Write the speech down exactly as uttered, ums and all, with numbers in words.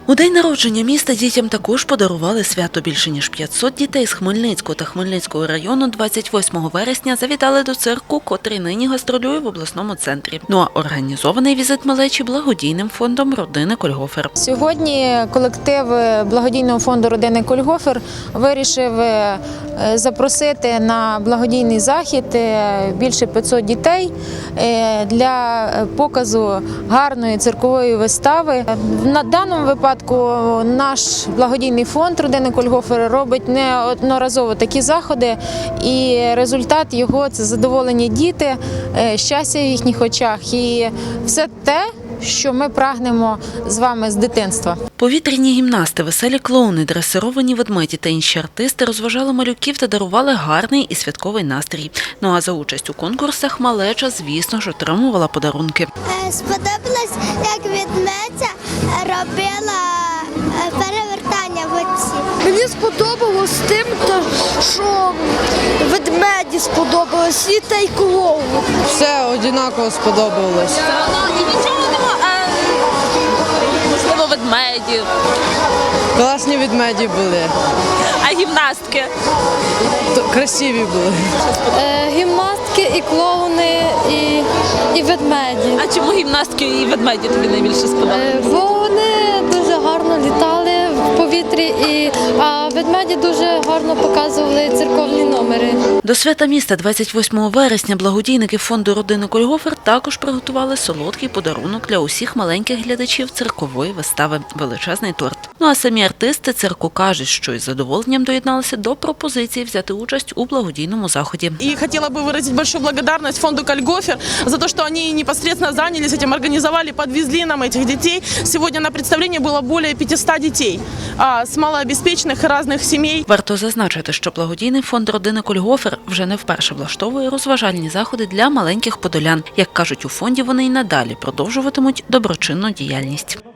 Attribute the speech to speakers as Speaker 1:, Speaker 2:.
Speaker 1: У день народження міста дітям також подарували свято. Більше ніж п'ятсот дітей з Хмельницького та Хмельницького району двадцять восьмого вересня завітали до цирку, котрий нині гастролює в обласному центрі. Ну а організований візит малечі благодійним фондом родини Кольгофер.
Speaker 2: Сьогодні колектив благодійного фонду родини Кольгофер вирішив запросити на благодійний захід більше п'ятсот дітей для показу гарної циркової вистави. На даному випадку наш благодійний фонд родини Кольгофер робить неодноразово такі заходи, і результат його – це задоволені діти, щастя в їхніх очах і все те, що ми прагнемо з вами з дитинства.
Speaker 1: Повітряні гімнасти, веселі клоуни, дресировані ведмеді та інші артисти розважали малюків та дарували гарний і святковий настрій. Ну а за участь у конкурсах малеча, звісно ж, отримувала подарунки.
Speaker 3: Сподобалось, як ведмедя робила перевертання в оці.
Speaker 4: Мені сподобалось тим, що ведмеді сподобалось і та й клоун.
Speaker 5: Все однаково сподобалось.
Speaker 6: І нічого немає, можливо, ведмедів.
Speaker 5: Класні ведмеді були,
Speaker 6: А гімнастки?
Speaker 5: то красиві були.
Speaker 4: Е, гімнастки, і клоуни, і, і ведмеді.
Speaker 6: А чому гімнастки і ведмеді тобі найбільше сподобалися?
Speaker 4: Е, бо вони дуже гарно літали в повітрі, і, а ведмеді дуже гарно показували церковні номери.
Speaker 1: До свята міста двадцять восьмого вересня благодійники фонду родини Кольгофер також приготували солодкий подарунок для усіх маленьких глядачів циркової вистави – величезний торт. Ну а самі артисти цирку кажуть, що із задоволенням доєдналися до пропозиції взяти участь у благодійному заході.
Speaker 7: И хотела бы выразить большую благодарность фонду Кольгофер за то, что они непосредственно занялись этим, организовали, подвезли нам этих детей. Сегодня на представлении было более пятисот детей а, с малообеспеченных и разных семей.
Speaker 1: Варто зазначити, що благодійний фонд родини Кольгофер вже не вперше влаштовує розважальні заходи для маленьких подолян. Як кажуть у фонді, вони й надалі продовжуватимуть доброчинну діяльність.